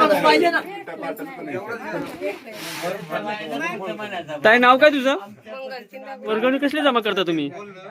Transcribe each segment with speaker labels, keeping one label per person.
Speaker 1: ताई नाव काय तुझं? वर्गणी कसली जमा करता तुम्ही?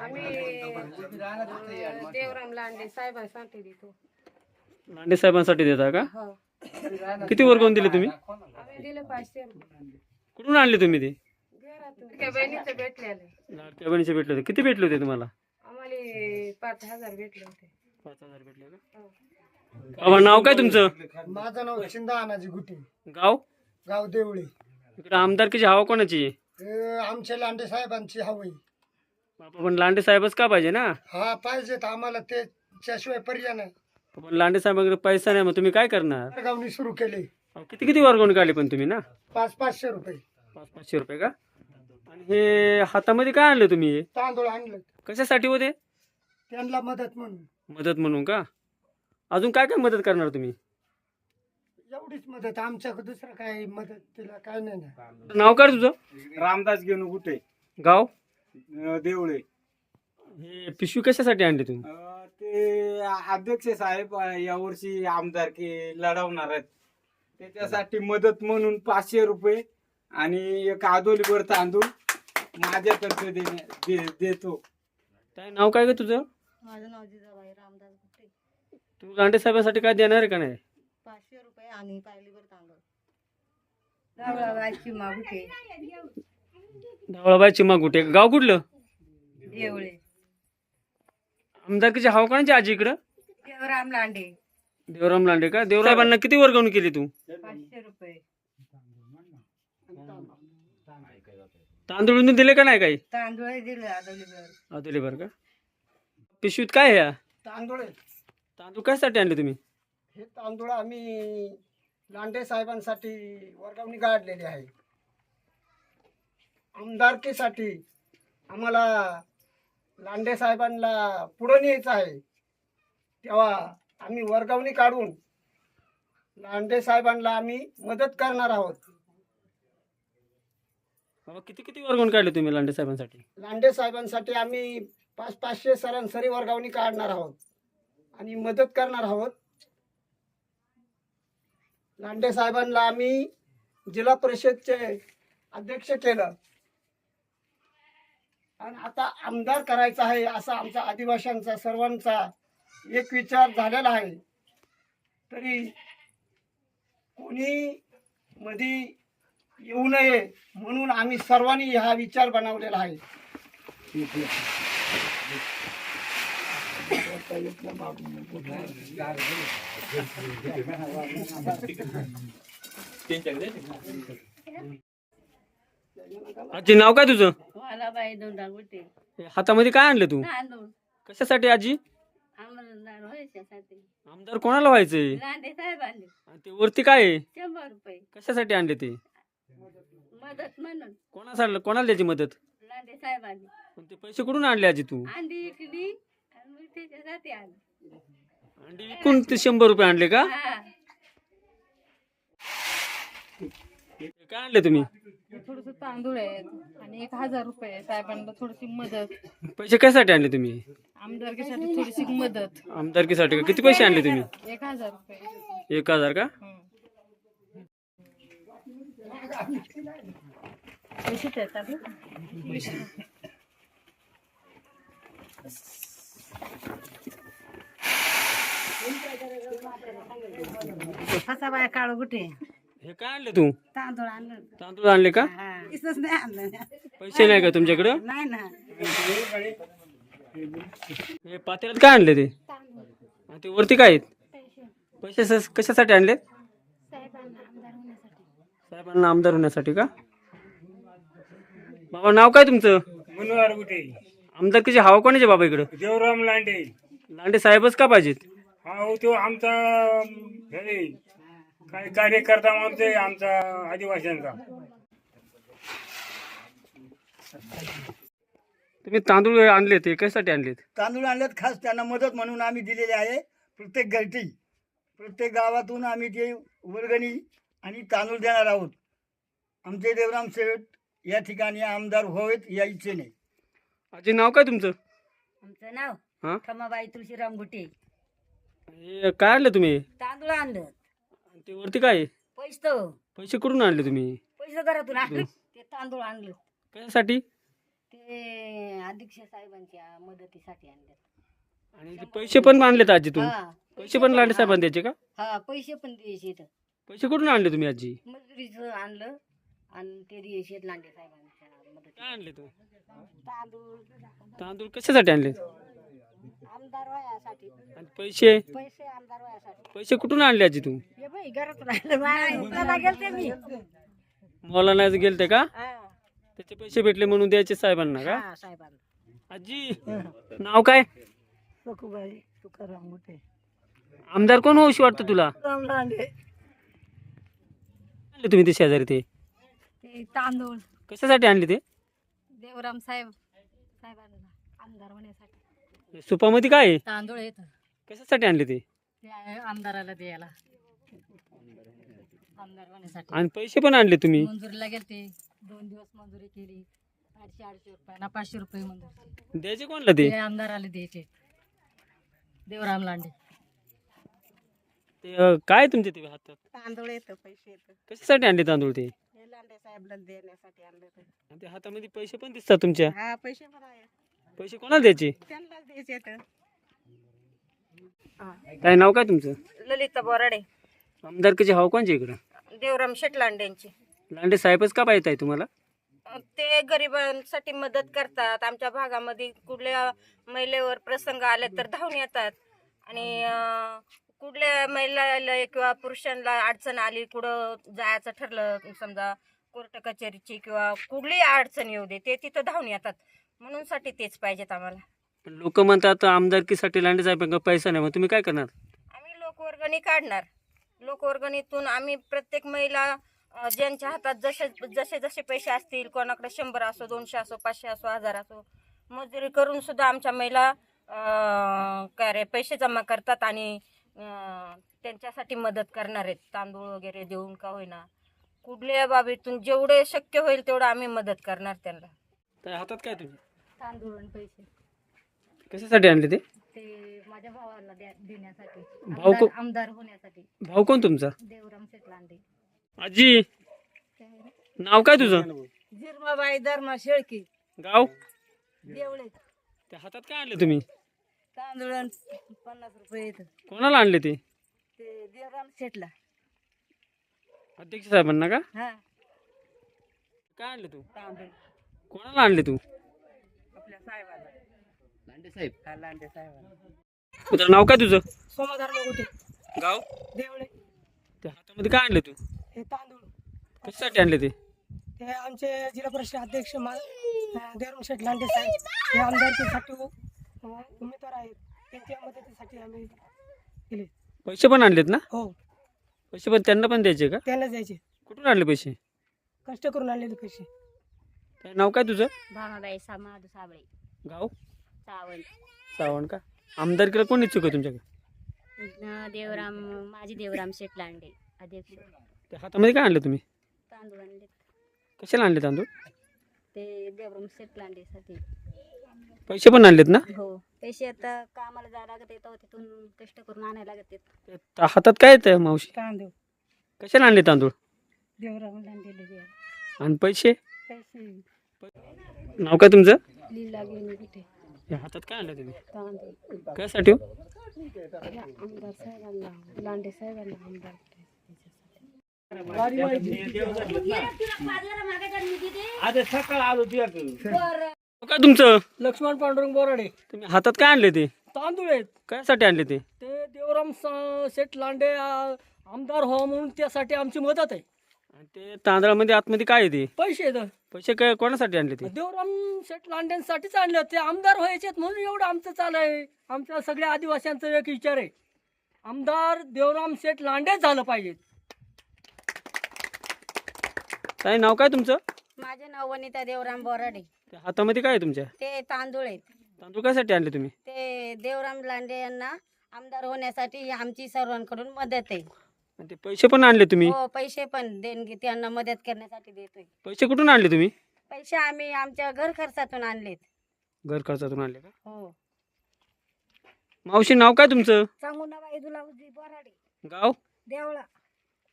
Speaker 2: देवराम लांडे साहेबांसाठी देतो.
Speaker 1: लांडे साहेबांसाठी देता का? किती वर्गवून दिले तुम्ही?
Speaker 2: आम्ही दिले 500 रुपये.
Speaker 1: कुठून आणले तुम्ही ते?
Speaker 2: घरातून बहिणीचं भेटलेलं.
Speaker 1: लाडक्या बहिणीचे भेटले होते. किती भेटले होते तुम्हाला?
Speaker 2: आम्हाला 5,000 भेटले होते.
Speaker 1: 5,000 भेटले का? बाबा नाव काय तुमचं?
Speaker 3: माझं नाव चिंदा अनाजी गुटे,
Speaker 1: गाव?
Speaker 3: गाव देवळे.
Speaker 1: इकडे आमदारकीची हवा कोणाची आहे?
Speaker 3: आमच्या लांडे साहेबांची हवी.
Speaker 1: बाबा पण लांडे साहेबच का पाहिजे ना?
Speaker 3: हा पाहिजेत आम्हाला, त्याशिवाय पर्याय नाही.
Speaker 1: पण लांडे साहेबांकडे पैसा नाही, मग तुम्ही काय करणार?
Speaker 3: वर्गावणी सुरू केली.
Speaker 1: किती किती वर्गवून काढली पण तुम्ही ना?
Speaker 3: 500 रुपये.
Speaker 1: 500 रुपये का? आणि हे हातामध्ये काय आणलं तुम्ही? हे
Speaker 3: तांदूळ आणलं
Speaker 1: कशासाठी होते?
Speaker 3: त्यांना मदत म्हणून.
Speaker 1: मदत म्हणून का? अजून काय काय मदत करणार तुम्ही?
Speaker 3: एवढीच मदत, आमच्याकडे दुसरं काय मदत तिला काय नाही ना.
Speaker 1: नाव काय तुझं?
Speaker 4: रामदास घेणू कुठे,
Speaker 1: गाव?
Speaker 4: देवळे.
Speaker 1: हे पिशवी कशासाठी आणली तुम्ही?
Speaker 4: ते अध्यक्ष साहेब यावर्षी आमदारकी लढवणार आहेत, त्याच्यासाठी मदत म्हणून 500 रुपये आणि एक आदोलीभर तांदूळ माझ्यातर्फे देतो.
Speaker 1: काय नाव काय ग तुझं?
Speaker 5: माझं नाव जिजाबाई रामदास गुट्टे.
Speaker 1: तू लांडे साहेबांसाठी काय देणार आहे का नाही?
Speaker 5: 500 रुपये आणि पायलीवर तांदूळ.
Speaker 2: धावळाबाईची मागुटे.
Speaker 1: धावळाबाई चिमा कुठे? गाव कुठलं?
Speaker 2: देवळे.
Speaker 1: आमदारकीची हवा कोणाची आजी इकडं?
Speaker 2: देवराम लांडे.
Speaker 1: देवराम लांडे का? देवराम साहेबांना किती वर्गवून केली तू?
Speaker 2: 500 रुपये.
Speaker 1: तांदूळ दिले का नाही काही?
Speaker 2: तांदूळ दिले आदोलीवर.
Speaker 1: दिले बरं का? पिशवीत काय आहे?
Speaker 3: तांदूळ आहे.
Speaker 1: तांदूळ कशासाठी आणले तुम्ही?
Speaker 3: हे तांदूळ आम्ही लांडे साहेबांसाठी वर्गावणी काढलेली आहे. आमदारकीसाठी आम्हाला लांडे साहेबांना पुढं न्यायचं आहे, तेव्हा आम्ही वर्गावणी काढून लांडे साहेबांना आम्ही मदत करणार आहोत.
Speaker 1: बाबा किती किती वर्गवून काढले तुम्ही लांडे साहेबांसाठी?
Speaker 3: लांडे साहेबांसाठी आम्ही 500 सरासरी वर्गावणी काढणार आहोत आणि मदत करणार आहोत. लांडे साहेबांना आम्ही जिल्हा परिषदचे अध्यक्ष केलं आणि आता आमदार करायचा आहे असा आमचा आदिवासींचा सर्वांचा एक विचार झालेला आहे. तरी कोणी मध्ये येऊ नये म्हणून आम्ही सर्वांनी हा विचार बनवलेला आहे.
Speaker 1: आजी नाव काय तुझं?
Speaker 2: मला बाई दोंडा गुटे.
Speaker 1: हातामध्ये काय आणलं तू?
Speaker 2: तांदूळ
Speaker 1: कशासाठी आजी?
Speaker 2: आमदार व्हायच्यासाठी.
Speaker 1: आमदार कोणाला व्हायचंय?
Speaker 2: लांडे साहेबांनी.
Speaker 1: आणि ते वरती काय आहे?
Speaker 2: 100 रुपये
Speaker 1: कशासाठी आणले ते?
Speaker 2: मदत म्हणून.
Speaker 1: कोणाला द्यायची मदत?
Speaker 2: लांडे साहेबांनी.
Speaker 1: पण ते पैसे कुठून आणले आजी तू?
Speaker 2: अंडी विकली आणि मग त्याच्यासाठी आलं.
Speaker 1: अंडी विकून ते 100 रुपये आणले का?
Speaker 2: हा.
Speaker 1: काय आणले तुम्ही?
Speaker 6: थोडस तांदूळ आहे आणि 1,000 रुपये साहेबांना थोडीशी मदत.
Speaker 1: पैसे कशासाठी आणले तुम्ही?
Speaker 6: आमदारकीसाठी थोडीशी मदत.
Speaker 1: आमदारकीसाठी का? किती पैसे आणले तुम्ही?
Speaker 6: 1,000 रुपये.
Speaker 1: 1,000 का?
Speaker 6: पैसे देतात.
Speaker 2: फसाबाई काळू गुटे.
Speaker 1: हे काय आणले तू?
Speaker 2: तांदूळ आणलं.
Speaker 1: तांदूळ आणले का?
Speaker 2: इसच नाही आणलं.
Speaker 1: पैसे नाही का तुमच्याकडं?
Speaker 2: नाही ना.
Speaker 1: हे पातेल्यात काय आणले ते? आणि ते वरती काय आहेत? पैसे कशासाठी आणले? साहेबांना आमदार होण्यासाठी का? बाबा नाव काय तुमचं?
Speaker 4: मनोहर कुठे,
Speaker 1: आमदारकीची हवा कोणाची बाबा इकडं?
Speaker 4: देवराम लांडे.
Speaker 1: लांडे साहेबच का पाहिजेत?
Speaker 4: हा हो, तो आमचा हे काय कार्यकर्ता म्हणते आमचा आदिवासींचा.
Speaker 1: तुम्ही तांदूळ आणले ते कशासाठी आणलेत?
Speaker 3: तांदूळ आणल्यात खास त्यांना मदत म्हणून आम्ही दिलेले आहे. प्रत्येक गलती प्रत्येक गावातून आम्ही ते वर्गणी आणि तांदूळ देणार आहोत. आमचे देवराम शेठ या ठिकाणी आमदार व्हावेत या इच्छेने.
Speaker 1: आजी नाव काय तुमचं?
Speaker 2: आमचं नाव
Speaker 1: हा?
Speaker 2: खमाबाई तुळशीराम गुटे.
Speaker 1: हे काय आणलं तुम्ही?
Speaker 2: तांदूळ आणलं.
Speaker 1: ते वरती काय आहे?
Speaker 2: पैसे
Speaker 1: पैसे कुठून आणले तुम्ही?
Speaker 2: पैसे घरातून आणले ते तांदूळ आणले
Speaker 1: कशासाठी?
Speaker 2: ते अध्यक्ष साहेबांच्या मदतीसाठी आणले
Speaker 1: आणि ते पैसे पण आणलेत आजी तुम्ही?
Speaker 2: हा
Speaker 1: पैसे पण लांडे साहेबांनी द्यायचे का?
Speaker 2: हा पैसे पण द्यायचे इथं.
Speaker 1: पैसे कुठून आणले तुम्ही आजी?
Speaker 2: मजुरीचं आणलं आणि ते द्यायचे लांडे साहेबांच्या मदती.
Speaker 1: काय आणले तू?
Speaker 2: तांदूळ
Speaker 1: तांदूळ कशासाठी आणले?
Speaker 2: आमदार वयासाठी
Speaker 1: आणि पैसे?
Speaker 2: पैसे आमदार वयासाठी.
Speaker 1: पैसे कुठून आणले आजी तू?
Speaker 2: हे बाई घरातून आणलं मला गेलते मी.
Speaker 1: मला नाही गेलते का?
Speaker 2: हा
Speaker 1: त्याचे पैसे भेटले म्हणून द्यायचे साहेबांना का?
Speaker 2: हा, साहेबांना.
Speaker 1: आजी नाव काय?
Speaker 2: सखूबाई तुकाराम मोठे.
Speaker 1: आमदार कोण होऊशी वाटतं तुला?
Speaker 2: राम लांडे.
Speaker 1: आणले तुम्ही ते शेजारी ते?
Speaker 6: ते तांदूळ
Speaker 1: कशासाठी आणले ते?
Speaker 6: देवराम साहेबांना आमदार होण्यासाठी
Speaker 1: सुपामध्ये काय आहे?
Speaker 6: तांदूळ येत
Speaker 1: कशासाठी आणले ते?
Speaker 6: ते आहे आमदाराला द्यायला आमदार होण्यासाठी.
Speaker 1: आणि पैसे पण आणले तुम्ही?
Speaker 6: मंजुरीला गेलते 2 दिवस मंजुरी केली 800 रुपये ना 500 रुपये मंजुरी.
Speaker 1: द्यायचे कोणला ते?
Speaker 6: ते आमदाराला द्यायचे देवराम लांडे.
Speaker 1: ते काय तुमचे ते हातात?
Speaker 2: तांदूळ येतं पैसे येतं
Speaker 1: कशासाठी आणले तांदूळ ते?
Speaker 2: हे लांडे साहेबला देण्यासाठी आणलं ते.
Speaker 1: आणि ते हातामध्ये पैसे पण दिसतात तुमच्या.
Speaker 2: हा पैसे पण आहे
Speaker 1: पैसे कोणाला द्यायचे?
Speaker 2: त्यांनाच द्यायचे तर.
Speaker 1: काय नाव काय तुमचं?
Speaker 2: ललिता बोराडे.
Speaker 1: आमदारकीचे हाव कोणचे इकडं?
Speaker 2: देवराम शेट लांडेंची.
Speaker 1: लांडे साहेबच का पाहिजे आहे तुम्हाला?
Speaker 2: ते गरिबांसाठी मदत करतात. आमच्या भागामध्ये कुठल्या महिलेवर प्रसंग आले तर धावून येतात आणि कुठल्या महिलाला किंवा पुरुषांना अडचण आली कुठं जायचं ठरलं समजा कोर्ट कचेरीची किंवा कुठलीही अडचण येऊ दे ते तिथं धावून येतात म्हणून साठी तेच पाहिजेत आम्हाला.
Speaker 1: लोक म्हणतात आमदारकीसाठी लांडे साहेबांना पैसा नाही, मग तुम्ही काय करणार?
Speaker 2: आम्ही लोकवर्गणी काढणार. लोकवर्गणीतून आम्ही प्रत्येक महिला ज्यांच्या हातात जसे जसे जसे पैसे असतील कोणाकडे 100 असो 200 असो 500 असो 1000 असो मजुरी करून सुद्धा आमच्या महिला काय रे पैसे जमा करतात आणि त्यांच्यासाठी मदत करणार आहेत. तांदूळ वगैरे देऊन का होईना कुठल्या बाबीतून जेवढे शक्य होईल तेवढं आम्ही मदत करणार त्यांना.
Speaker 1: त्या हातात काय तुम्ही?
Speaker 6: तांदूळ आणि पैसे
Speaker 1: कशासाठी आणले ते?
Speaker 6: ते माझ्या भावाला देण्यासाठी
Speaker 1: भाऊ को-
Speaker 6: आमदार होण्यासाठी.
Speaker 1: भाऊ कोण तुमचा?
Speaker 6: देवराम शेट लांडे.
Speaker 1: आजी नाव काय तुझं?
Speaker 2: जिरमाबाई धर्मा शेळकी
Speaker 1: गाव?
Speaker 2: देवळे.
Speaker 1: त्या हातात काय आणले तुम्ही?
Speaker 2: तांदूळ 50 रुपये येतं
Speaker 1: कोणाला आणले ते?
Speaker 2: ते देवराम शेटला.
Speaker 1: अध्यक्ष साहेबांना का?
Speaker 2: हा
Speaker 1: काय आणले तू?
Speaker 2: तांदूळ
Speaker 1: कोणाला आणले तू?
Speaker 2: आपल्या साहेबाला.
Speaker 1: लांडे साहेब.
Speaker 2: हा लांडे साहेबाला.
Speaker 1: तुझं नाव काय तुझं?
Speaker 2: सोमाधार कुठे
Speaker 1: गाव?
Speaker 2: देवळे.
Speaker 1: त्या हातामध्ये काय आणले तू?
Speaker 2: हे तांदूळ
Speaker 1: कशासाठी आणले ते?
Speaker 2: हे आमचे जिल्हा परिषद अध्यक्ष देवराम शेठ लांडे साहेब हे आमदारकीसाठी उमेदवार आहेत. त्यांच्या मदतीसाठी आम्ही केले.
Speaker 1: पैसे पण आणलेत ना?
Speaker 2: हो
Speaker 1: पैसे पण त्यांना पण द्यायचे का?
Speaker 2: त्यांना द्यायचे.
Speaker 1: कुठून आणले पैसे?
Speaker 2: कष्ट करून आणलेले पैसे.
Speaker 1: काय नाव काय तुझं?
Speaker 2: भामाबाई सामाधू साबळे.
Speaker 1: गाव?
Speaker 2: सावंत.
Speaker 1: सावण का? आमदारकीला कोण इच्छुक आहे तुमच्याकडे?
Speaker 2: देवराम माझी देवराम शेठ लांडे अध्यक्ष.
Speaker 1: त्या हातामध्ये काय आणले तुम्ही?
Speaker 2: तांदूळ आणले
Speaker 1: कशाला आणले तांदूळ?
Speaker 2: ते देवराम शेठ लांडेसाठी.
Speaker 1: पैसे पण आणलेत ना?
Speaker 2: हो पैसे आता कामाला जायला लागत येतं तिथून कष्ट करून आणायला लागत येत.
Speaker 1: त्या हातात काय येतं मावशी?
Speaker 2: तांदूळ
Speaker 1: कशाला आणले तांदूळ?
Speaker 2: देवराम लांडेले
Speaker 1: आणि पैसे?
Speaker 2: पैसे.
Speaker 1: नाव काय तुमचं?
Speaker 2: लीला गेली कुठे
Speaker 1: या हातात काय आणलं तुम्ही?
Speaker 2: तांदूळ
Speaker 1: कशासाठी हो?
Speaker 2: आमदार साहेबांना लांडे साहेबांना आमदार.
Speaker 1: नाव काय तुमचं?
Speaker 7: लक्ष्मण पांडुरंग बोराडे.
Speaker 1: तुम्ही हातात काय आणले ते?
Speaker 7: तांदूळ आहेत
Speaker 1: कशासाठी आणले ते?
Speaker 7: ते देवराम शेठ लांडे आमदार व्हावा म्हणून त्यासाठी आमची मदत आहे.
Speaker 1: आणि ते तांदळामध्ये आतमध्ये काय आहे ते?
Speaker 7: पैसे आहेत.
Speaker 1: पैसे काय कोणासाठी आणले ते?
Speaker 7: देवराम शेठ लांडेंसाठीच आणले. ते आमदार व्हायचे म्हणून एवढं आमचं चालू आहे. आमच्या सगळ्या आदिवासींचा एक विचार आहे आमदार देवराम शेठ लांडेच झालं पाहिजे.
Speaker 1: काय नाव काय तुमचं?
Speaker 2: माझे नाव वनिता देवराम बोराडे.
Speaker 1: त्या हातामध्ये काय आहे तुमच्या?
Speaker 2: ते तांदूळ आहेत.
Speaker 1: तांदूळ कशासाठी आणले तुम्ही?
Speaker 2: ते देवराम लांडे यांना आमदार होण्यासाठी आमची सर्वांकडून मदत आहे.
Speaker 1: आणि ते पैसे पण आणले तुम्ही?
Speaker 2: हो पैसे पण देणगी त्यांना मदत करण्यासाठी देतोय.
Speaker 1: पैसे कुठून आणले तुम्ही?
Speaker 2: पैसे आम्ही आमच्या घर खर्चातून आणलेत.
Speaker 1: घर खर्चातून आणले का?
Speaker 2: हो
Speaker 1: मावशी नाव काय तुमचं?
Speaker 2: सांगू ना बाई तुला बोराडे.
Speaker 1: गाव?
Speaker 2: देवळा.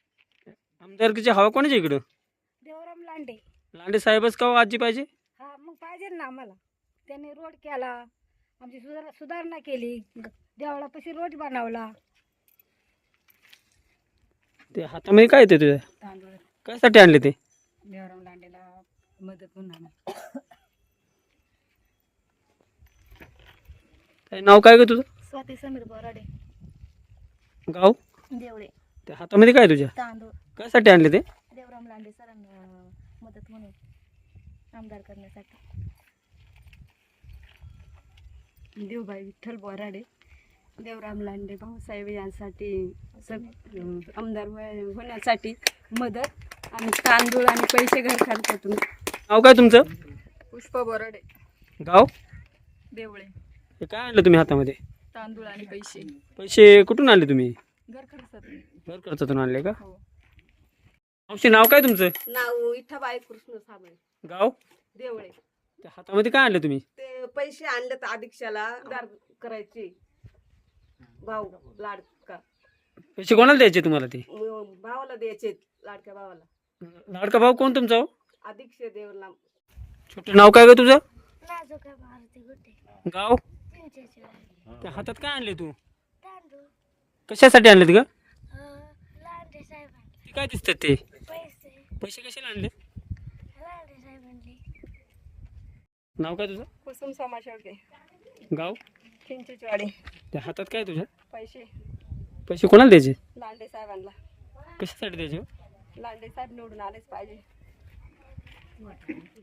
Speaker 1: आमदारकीची हवा कोणाच्या इकडं?
Speaker 6: देवराम लांडे.
Speaker 1: लांडे साहेबच का हो आजी पाहिजे?
Speaker 6: हा मग पाहिजे ना आम्हाला. त्यांनी रोड केला, आमची सुधारणा केली, देवळापाशी रोड बनवला.
Speaker 1: ते हातामध्ये काय येते तुझ्या?
Speaker 6: तांदूळ
Speaker 1: कशासाठी आणले ते?
Speaker 6: देवराम लांडेला मदत म्हणून.
Speaker 1: काय नाव काय ग तुझं?
Speaker 5: स्वाती समीर बोराडे.
Speaker 1: गाव?
Speaker 5: देवळे.
Speaker 1: त्या हातामध्ये काय तुझ्या?
Speaker 5: तांदूळ.
Speaker 1: कशासाठी आणले ते?
Speaker 5: देवराम लांडे सरांना मदत म्हणून आमदार करण्यासाठी.
Speaker 6: देवबाई विठ्ठल बोराडे. देवराम लांडे भाऊसाहेब यांसाठी आमदार होण्यासाठी मदत आणि तांदूळ आणि पैसे घर खर्चातून.
Speaker 1: नाव काय तुमचं?
Speaker 6: पुष्पा बोराडे.
Speaker 1: गाव?
Speaker 6: देवळे.
Speaker 1: हे काय आणलं तुम्ही हातामध्ये?
Speaker 6: तांदूळ आणि पैसे
Speaker 1: पैसे कुठून आणले तुम्ही?
Speaker 6: घर खर्चातून.
Speaker 1: घर खर्चातून आणले का?
Speaker 6: हो.
Speaker 1: मावशी नाव काय तुमचं?
Speaker 5: नाव इठाबाई कृष्ण साबळे.
Speaker 1: गाव?
Speaker 5: देवळे.
Speaker 1: त्या हातामध्ये काय आणलं तुम्ही?
Speaker 5: ते पैसे आणले तर अधीक्षाला दार करायचे. भाऊ लाडका
Speaker 1: पैसे कोणाला द्यायचे तुम्हाला ते?
Speaker 5: भावाला द्यायचे, लाडक्या भावाला.
Speaker 1: लाडका भाऊ कोण तुमचा हो?
Speaker 5: अधीक्ष देवला.
Speaker 1: छोटं नाव काय ग तुझं? गाव? त्या हातात काय आणले तू? कशासाठी आणलेत ग? ते काय दिसतात ते? पैसे कशाला आणले? नाव काय तुझं?
Speaker 6: कुसुम समाशेळके.
Speaker 1: गाव?
Speaker 6: चिंचेचवाडी.
Speaker 1: त्या हातात काय तुझ्या?
Speaker 6: पैसे
Speaker 1: पैसे कोणाला द्यायचे?
Speaker 6: लांडे साहेबांना.
Speaker 1: कशासाठी द्यायचे?
Speaker 6: लांडे साहेब निवडून आलेच पाहिजे.